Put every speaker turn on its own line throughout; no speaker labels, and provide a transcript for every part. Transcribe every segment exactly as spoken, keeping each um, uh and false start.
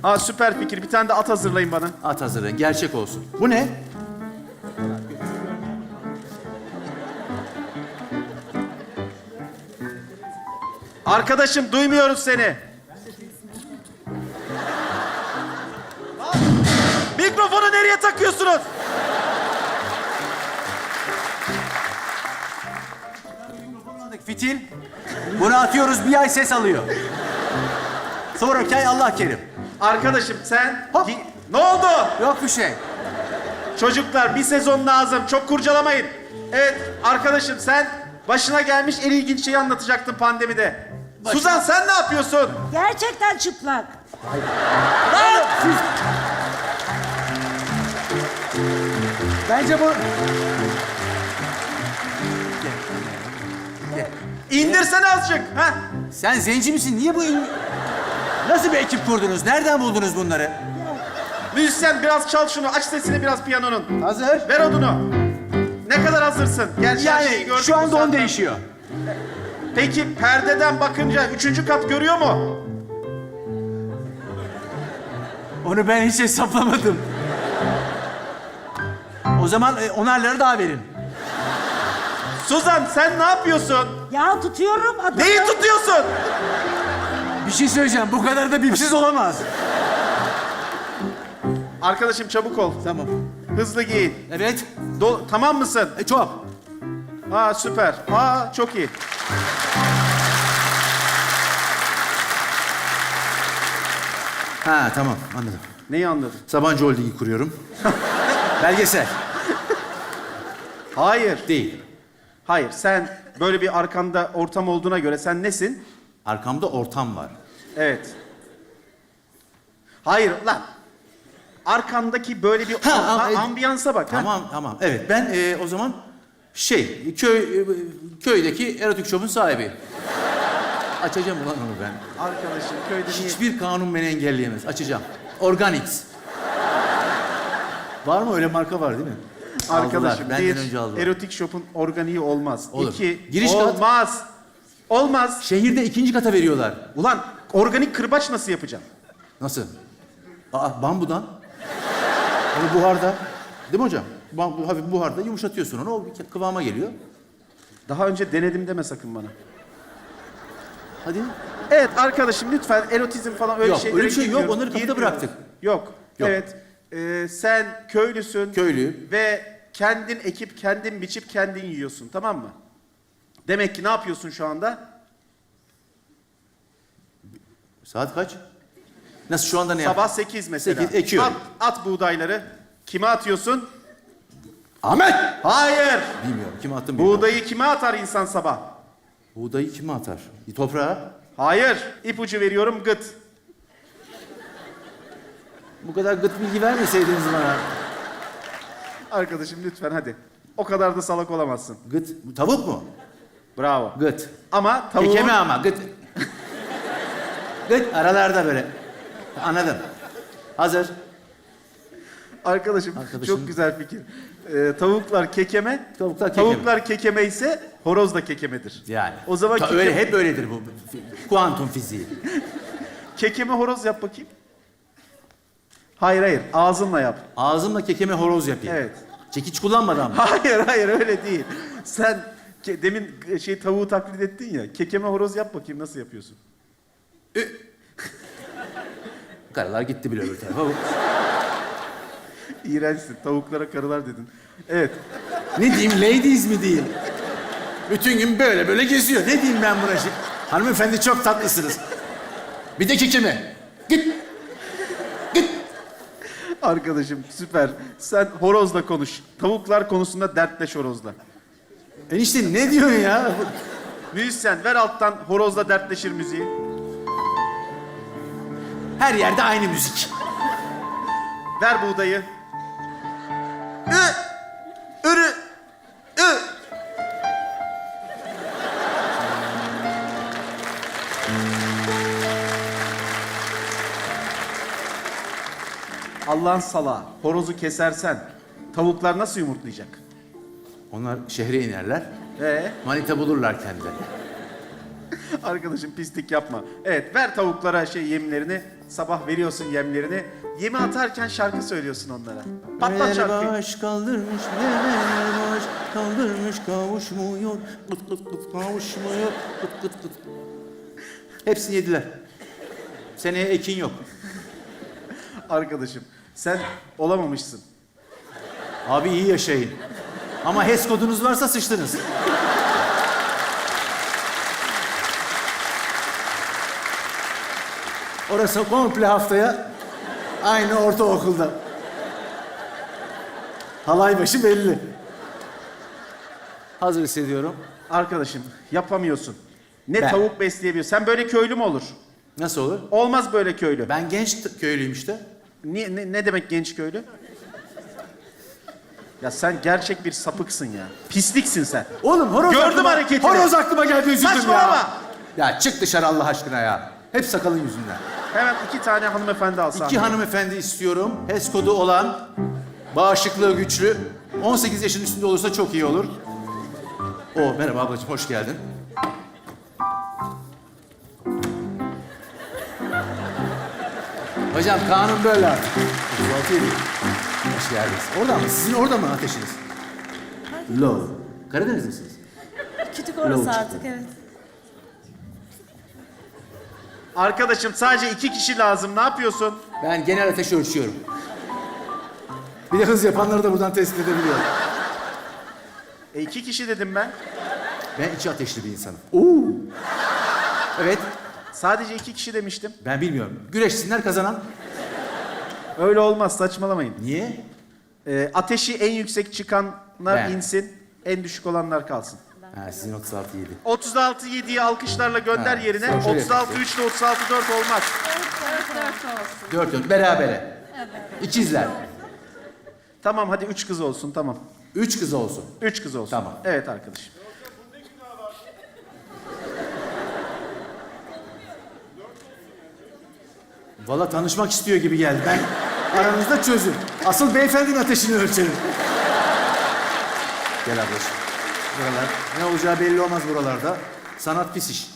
Aa süper fikir. Bir tane de at hazırlayın bana.
At hazırlayın, gerçek olsun. Bu ne?
Arkadaşım duymuyoruz seni. Mikrofonu nereye takıyorsunuz?
Fitil. Bunu atıyoruz, bir ay ses alıyor. Sonraki ay Allah kerim.
Arkadaşım sen...
Hop.
Gi- Ne oldu?
Yok bir şey.
Çocuklar bir sezon lazım. Çok kurcalamayın. Evet arkadaşım sen başına gelmiş en ilginç şeyi anlatacaktın pandemide. Suzan sen ne yapıyorsun?
Gerçekten çıplak.
Bence bu...
İndirsene azıcık. Ha?
Sen zenci misin? Niye bu... in- Nasıl bir ekip kurdunuz? Nereden buldunuz bunları?
Müzisyen biraz çal şunu. Aç sesini biraz piyanonun.
Hazır.
Ver odunu. Ne kadar hazırsın? Gerçi her şeyi
Yani
gördük
şu
bu
anda on
saatten.
değişiyor.
Peki perdeden bakınca üçüncü kat görüyor mu?
Onu ben hiç hesaplamadım. O zaman e, onarları daha verin.
Suzan sen ne yapıyorsun?
Ya tutuyorum adamı.
Neyi tutuyorsun?
Bir şey söyleyeceğim. Bu kadar da bipsiz olamaz.
Arkadaşım çabuk ol.
Tamam.
Hızlı giyin.
Evet.
Do- tamam mısın?
E, çok.
Aa süper. Aa çok iyi.
Ha tamam anladım.
Neyi anladın?
Sabancı Holding'i kuruyorum. Belgesel.
Hayır.
Değil.
Hayır sen böyle bir arkanda ortam olduğuna göre sen nesin?
Arkamda ortam var.
Evet. Hayır lan. Arkandaki böyle bir
Ha,
a-
ama-
ambiyansa bak. ha?
Tamam tamam. Evet ben e, o zaman şey köy e, köydeki erotik shop'un sahibi. Açacağım ulan onu ben.
Arkadaşım köyde niye?
Hiçbir kanun beni engelleyemez. Açacağım. Organix. Var mı öyle marka var değil mi?
Arkadaşım
Aldılar, benden
bir
önce aldılar.
erotik shop'un organiği olmaz.
Olur.
İki
Giriş kat-
olmaz. Olmaz.
Şehirde ikinci kata veriyorlar.
Ulan organik kırbaç nasıl yapacağım?
Nasıl? Aa bambudan. Onu buharda. Değil mi hocam? Bambu, hafif buharda yumuşatıyorsun onu. O bir kıvama geliyor.
Daha önce denedim deme sakın bana.
Hadi.
Evet arkadaşım lütfen erotizm falan öyle
Yok,
şeylere
öyle bir şey yok.
girmiyoruz,
Onları kapıda
girmiyoruz.
bıraktık.
Yok.
Yok.
Evet. Ee, sen köylüsün.
Köylüyüm.
Ve kendin ekip, kendin biçip, kendin yiyorsun. Tamam mı? Demek ki ne yapıyorsun şu anda?
Saat kaç? Nasıl şu anda ne yap?
Sabah sekiz mesela.
Sekiz, ekiyorum.
At, at buğdayları. Kime atıyorsun?
Ahmet!
Hayır.
Bilmiyorum. Kime attım bilmiyorum.
Buğdayı kime atar insan sabah?
Buğdayı kime atar? Toprağa.
Hayır. İpucu veriyorum gıt.
Bu kadar gıt bilgi vermeseydiniz bana.
Arkadaşım lütfen hadi. O kadar da salak olamazsın.
Gıt. Bu tavuk mu?
Bravo.
Gıt.
Ama tavuğun...
Kekeme ama gıt. Gıt aralarda böyle. Anladım. Hazır.
Arkadaşım,
Arkadaşım.
çok güzel fikir. Ee, tavuklar kekeme,
Tavuklar kekeme.
tavuklar kekeme ise horoz da kekemedir.
Yani.
O zaman
Ta-
keke-
öyle hep öyledir bu. Kuantum fiziği.
Kekeme horoz yap bakayım. Hayır hayır, ağzınla yap.
Ağzımla kekeme horoz yapayım.
Evet.
Çekiç kullanmadan mı?
Hayır hayır öyle değil. Sen ke- demin şey tavuğu taklit ettin ya. Kekeme horoz yap bakayım nasıl yapıyorsun?
Karalar gitti bile öbür tarafa. Bu-
İğrençsin. Tavuklara karılar dedin. Evet.
Ne diyeyim, ladies mi diyeyim? Bütün gün böyle böyle geziyor. Ne diyeyim ben buna şimdi? Hanımefendi çok tatlısınız. Bir de kekeme. Git. Git.
Arkadaşım süper. Sen horozla konuş. Tavuklar konusunda dertleş horozla.
Enişte ne diyorsun ya?
Müzisyen ver alttan horozla dertleşir müziği.
Her yerde aynı müzik.
Ver buğdayı. Ü! Ürü! Ü! Allah'ın salağı. Horozu kesersen tavuklar nasıl yumurtlayacak?
Onlar şehre inerler.
Ee,
Manita bulurlar kendileri.
arkadaşım pislik yapma. Evet ver tavuklara şey yemlerini. Sabah veriyorsun yemlerini. Yemi atarken şarkı söylüyorsun onlara. Patlat şarkıyı.
Baş kaldırmış, neler baş kaldırmış, kavuşmuyor, kıt kıt kıt kavuşmuyor, kıt kıt kıt. Hepsini yediler. Seneye ekin yok.
Arkadaşım sen olamamışsın.
Abi iyi yaşayın. Ama H E S kodunuz varsa sıçtınız. Orası komple haftaya aynı ortaokulda. Halay başı belli. Hazır hissediyorum.
Arkadaşım yapamıyorsun. Ne
Ben.
tavuk besleyebiliyorsun. Sen böyle köylü mü olur?
Nasıl olur?
Olmaz böyle köylü.
Ben genç t- köylüyüm işte.
Niye, ne, ne demek genç köylü? Ya sen gerçek bir sapıksın ya. Pisliksin sen.
Oğlum horoz
Gördüm
aklıma,
hareketini.
horoz aklıma geldi, üzüldüm ya.
Saçmalama.
Ya çık dışarı Allah aşkına ya. Hep sakalın yüzünden.
Hemen iki tane hanımefendi al sahneye.
İki hanımefendi istiyorum. H E S kodu olan, bağışıklığı güçlü. on sekiz yaşın üstünde olursa çok iyi olur. O merhaba ablacığım, hoş geldin. Hocam kanun böyle artık. otuz altı yedi. Hoş geldiniz. Orada mı? Sizin orada mı ateşiniz? Low. Karadeniz misiniz?
Kütük
Low
orası
çıktı.
artık evet.
Arkadaşım sadece iki kişi lazım. Ne yapıyorsun?
Ben genel ateşi ölçüyorum. Bir de hız yapanları da buradan tespit edebiliyorum.
E iki kişi dedim ben.
Ben içi ateşli bir insanım. Oo. Evet,
Sadece iki kişi demiştim.
ben bilmiyorum. Güreşsinler kazanan.
Öyle olmaz saçmalamayın.
Niye?
E, ateşi en yüksek çıkanlar
Ben.
insin. En düşük olanlar kalsın.
Ha, sizin otuz altı yedi.
otuz altı yediyi alkışlarla gönder
Ha,
yerine.
şöyle
otuz altı
yapayım.
üç ile otuz altı dört olmaz.
Dört dört, berabere. İkizler.
Tamam hadi üç kız olsun tamam.
Üç kız olsun.
Üç kız olsun.
Tamam.
Evet arkadaşım.
Valla tanışmak istiyor gibi geldi. Ben aranızda çözün. Asıl beyefendinin ateşini ölçelim. Gel ablacığım. Buralar. Ne olacağı belli olmaz buralarda. Sanat pis iş.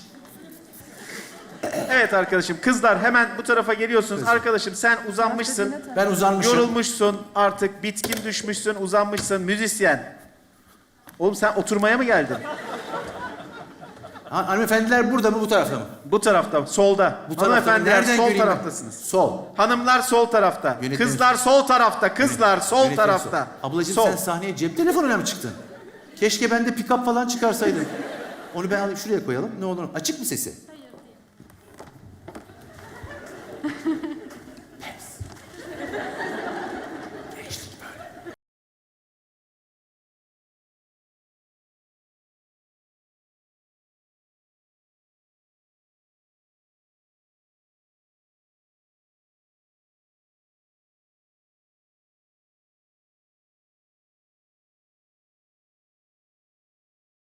Evet arkadaşım kızlar hemen bu tarafa geliyorsunuz. Arkadaşım sen uzanmışsın.
Ben uzanmışım.
Yorulmuşsun artık bitkin düşmüşsün uzanmışsın müzisyen. Oğlum sen oturmaya mı geldin?
Ha, hanımefendiler burada mı bu tarafta mı?
Bu tarafta solda.
Bu tarafta mı?
Hanımefendiler
Nereden
sol
göreyim ben?
taraftasınız.
Sol.
Hanımlar sol tarafta.
Yönetmenim-
Kızlar sol tarafta. Kızlar sol
Yönetmenim
tarafta.
sol. Ablacığım
sol.
sen sahneye cep telefonuyla mı çıktın? Keşke ben de pick-up falan çıkarsaydım. Onu ben alayım şuraya koyalım. Ne olur. Açık mı sesi?